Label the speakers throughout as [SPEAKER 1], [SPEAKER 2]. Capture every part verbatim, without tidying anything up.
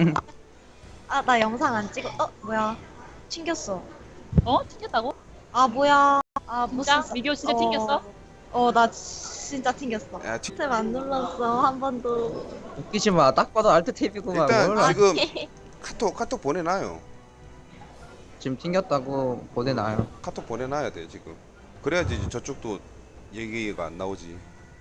[SPEAKER 1] 아, 나 영상 안 찍어. 어, 뭐야. 튕겼어.
[SPEAKER 2] 어? 튕겼다고?
[SPEAKER 1] 아, 뭐야. 아,
[SPEAKER 2] 진짜?
[SPEAKER 1] 무슨.
[SPEAKER 2] 미디어 진짜
[SPEAKER 1] 어,
[SPEAKER 2] 튕겼어?
[SPEAKER 1] 어, 나 진짜 튕겼어.
[SPEAKER 3] 야, 튀-
[SPEAKER 1] 탭 안 눌렀어. 한 번도.
[SPEAKER 4] 웃기지 마. 딱 봐도 알트 탭이구만.
[SPEAKER 3] 일단
[SPEAKER 4] 뭘
[SPEAKER 1] 아,
[SPEAKER 4] 알-
[SPEAKER 3] 지금 카톡 카톡 보내놔요.
[SPEAKER 4] 지금 튕겼다고 보내놔요.
[SPEAKER 3] 카톡 보내놔야 돼 지금. 그래야지 이제 저쪽도 얘기가 안 나오지.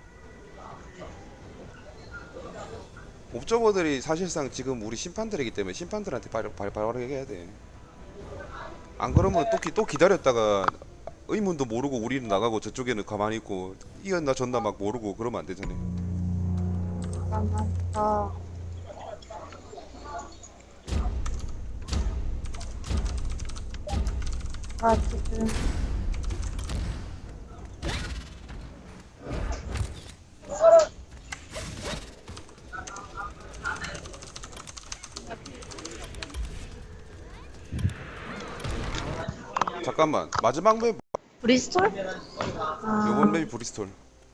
[SPEAKER 3] 옵저버들이 사실상 지금 우리 심판들이기 때문에 심판들한테 바로 바로 바로 얘기해야 돼. 안 그러면 또, 기, 또 기다렸다가 의문도 모르고 우리는 나가고 저쪽에는 가만히 있고 이었나 졌나 막 모르고 그러면 안 되잖아요.
[SPEAKER 1] 잠깐만. 어. 아, 지금.
[SPEAKER 3] 잠깐만 마지막 맵
[SPEAKER 1] 브리스톨?
[SPEAKER 3] 요번
[SPEAKER 1] 아,
[SPEAKER 3] 맵이 브리스톨.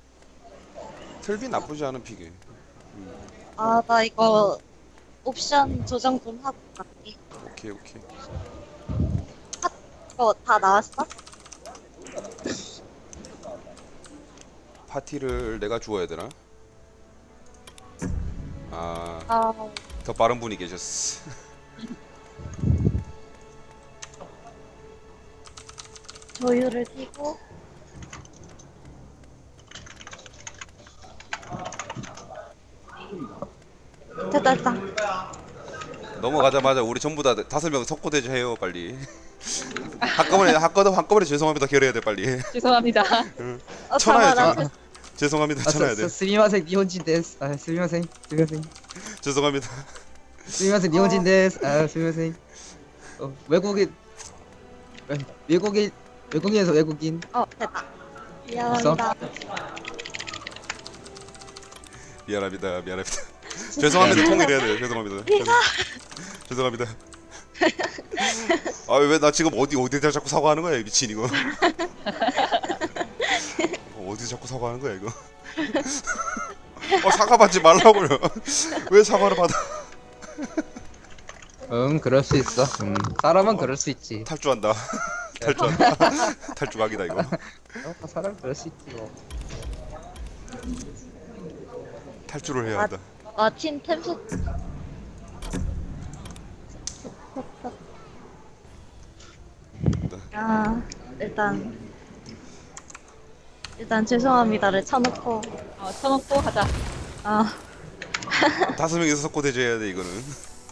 [SPEAKER 3] 틀비 나쁘지 않은 픽이에요.
[SPEAKER 1] 아, 나 이거 옵션 조정 좀 하고 갈게.
[SPEAKER 3] 오케이 오케이.
[SPEAKER 1] 이거 다 나왔어?
[SPEAKER 3] 파티를 내가 주어야 되나? 아,
[SPEAKER 1] 아,
[SPEAKER 3] 더 빠른 분이 계셨어.
[SPEAKER 1] 조율을 띄고. 됐다, 됐다.
[SPEAKER 3] 넘어가자마자 우리 전부 다 다섯 명 석고대주 해요 빨리. 한꺼번에 한꺼번에 한꺼번에 죄송합니다 결해야 돼 빨리.
[SPEAKER 2] 죄송합니다.
[SPEAKER 1] 어,
[SPEAKER 3] 천하야
[SPEAKER 1] 잠깐만,
[SPEAKER 3] 천.
[SPEAKER 1] 나
[SPEAKER 3] 죄송합니다
[SPEAKER 4] 아,
[SPEAKER 3] 천하야
[SPEAKER 4] 스,
[SPEAKER 3] 돼.
[SPEAKER 4] 스, 스미마셍 니혼진 데스. 아, 스미마셍. 스미마셍.
[SPEAKER 3] 죄송합니다.
[SPEAKER 4] 스미마셍 니혼진 데스. 아, 스미마셍. 어, 외국인 에, 외국인 외국인에서 외국인.
[SPEAKER 1] 어, 됐다. 미안합니다.
[SPEAKER 3] 미안합니다 미안합니다. 죄송합니다 통일해야 돼요. 죄송합니다. 죄송합니다. 아 왜 나 지금 어디 어디다 자꾸 사과하는 거야 이 미친 이거. 어, 어디서 자꾸 사과하는 거야 이거. 어 사과 받지 말라고요. 왜 사과를 받아?
[SPEAKER 4] 응, 그럴 수 있어. 음, 사람은 그럴 수 있지.
[SPEAKER 3] 탈주한다. 탈주한다. 탈주각이다 이거.
[SPEAKER 4] 어, 사람 그럴 수 있지 뭐.
[SPEAKER 3] 탈주를 해야 한다.
[SPEAKER 1] 마틴 템스. 아, 일단. 일단 죄송합니다를 쳐놓고.
[SPEAKER 2] 어, 쳐놓고 하자.
[SPEAKER 1] 아,
[SPEAKER 3] 다섯 명이서 섞고 대조해야 돼 이거는.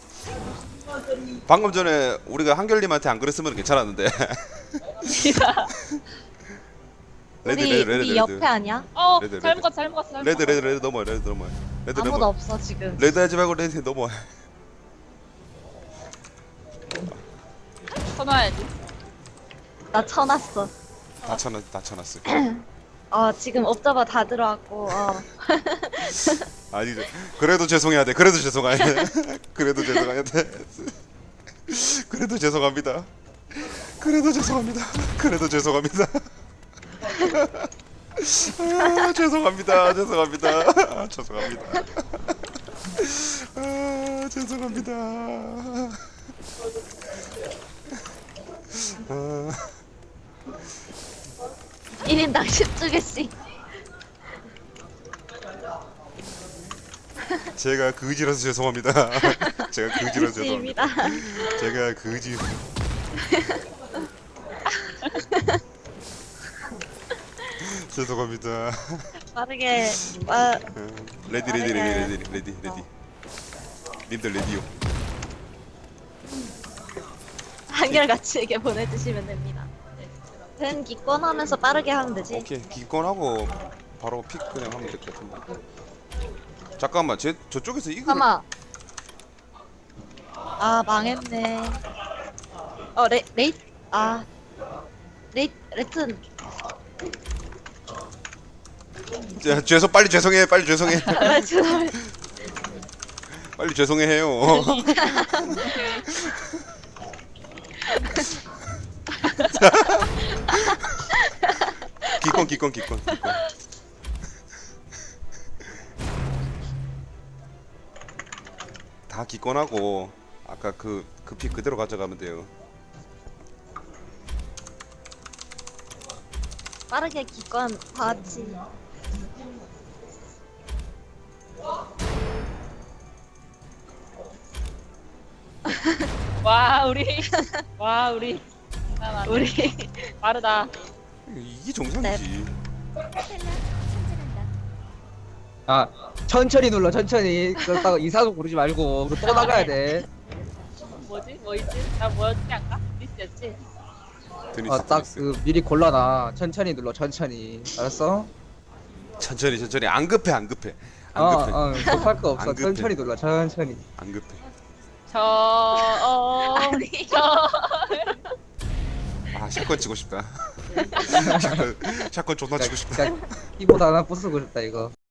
[SPEAKER 3] 방금 전에 우리가 한결님한테 안 그랬으면 괜찮았는데. 레드
[SPEAKER 1] 우리,
[SPEAKER 3] 레드 레드
[SPEAKER 1] 우리
[SPEAKER 3] 레드.
[SPEAKER 1] 옆에 아니야?
[SPEAKER 2] 어,
[SPEAKER 3] 레드,
[SPEAKER 2] 잘
[SPEAKER 3] 레드.
[SPEAKER 2] 먹었어, 잘 먹었어, 잘
[SPEAKER 3] 레드
[SPEAKER 2] 먹었어.
[SPEAKER 3] 레드 레드 넘어 레드 넘어. 레드
[SPEAKER 1] 아무도
[SPEAKER 3] 넘어.
[SPEAKER 1] 없어, 지금.
[SPEAKER 3] 레드 하지 말고 레드 넘어.
[SPEAKER 2] 쳐놔야지.
[SPEAKER 1] 나 쳐놨어.
[SPEAKER 3] 다 쳐놨 다 쳐놨어.
[SPEAKER 1] 어, 지금 옵저버 다 들어왔고, 어.
[SPEAKER 3] 아니 그래도 죄송해야 돼. 그래도 죄송해야 돼. 그래도 죄송해야 돼. 그래도 죄송합니다. 그래도 죄송합니다. 그래도 죄송합니다. 아, 죄송합니다. 죄송합니다. 아, 죄송합니다. 아, 죄송합니다. 아,
[SPEAKER 1] 일 인당 십두 개씩.
[SPEAKER 3] 제가 그지라서 죄송합니다. 제가 그지라서 죄송합니다.
[SPEAKER 1] 입니다.
[SPEAKER 3] 제가 그지. 죄송합니다.
[SPEAKER 1] 빠르게, 빠,
[SPEAKER 3] 레디 레디 레디 레디 레디 레디. 님들 레디요.
[SPEAKER 1] 한결같이에게 보내주시면 됩니다. 된 기권하면서 빠르게 하면 되지.
[SPEAKER 3] 오케이 기권하고 바로 픽 그냥 하면 될 것 같은데. 잠깐만 제 저쪽에서 이거
[SPEAKER 1] 잠깐만. 아, 망했네. 어, 레, 레이, 아, 레이, 레튼.
[SPEAKER 3] 자, 죄송 빨리 죄송해 빨리 죄송해
[SPEAKER 1] 아, 죄송해요.
[SPEAKER 3] 빨리 죄송해 해요. 기권 기권 기권 기권. 다 다 기권하고 아까 그 그 피 그대로 가져가면 돼요.
[SPEAKER 1] 빠르게 기권 다 같이.
[SPEAKER 2] 와 우리 와 우리 장난 아니야.
[SPEAKER 1] 우리
[SPEAKER 2] 빠르다.
[SPEAKER 3] 이게 정상이지.
[SPEAKER 4] 아 천천히 눌러 천천히. 그렇다고 이사도 고르지 말고 그리고 또 나가야 돼.
[SPEAKER 2] 뭐지? 뭐 있지? 나 뭐였지 아까? 리스였지?
[SPEAKER 3] 드니스
[SPEAKER 4] 어, 딱
[SPEAKER 3] 드니스.
[SPEAKER 4] 그 미리 골라놔. 천천히 눌러 천천히. 알았어?
[SPEAKER 3] 천천히 천천히 안 급해 안 급해 안
[SPEAKER 4] 어,
[SPEAKER 3] 급해
[SPEAKER 4] 어, 급할 거 없어.
[SPEAKER 3] 안 급해.
[SPEAKER 4] 천천히 눌러 천천히.
[SPEAKER 3] 안 급해.
[SPEAKER 2] 저 어.
[SPEAKER 1] 아니.
[SPEAKER 2] 저
[SPEAKER 3] 아 샷건 치고 싶다. 샷건 샷건 존나 치고 싶다.
[SPEAKER 4] 그냥 키보드 하나 부수고 싶다 이거.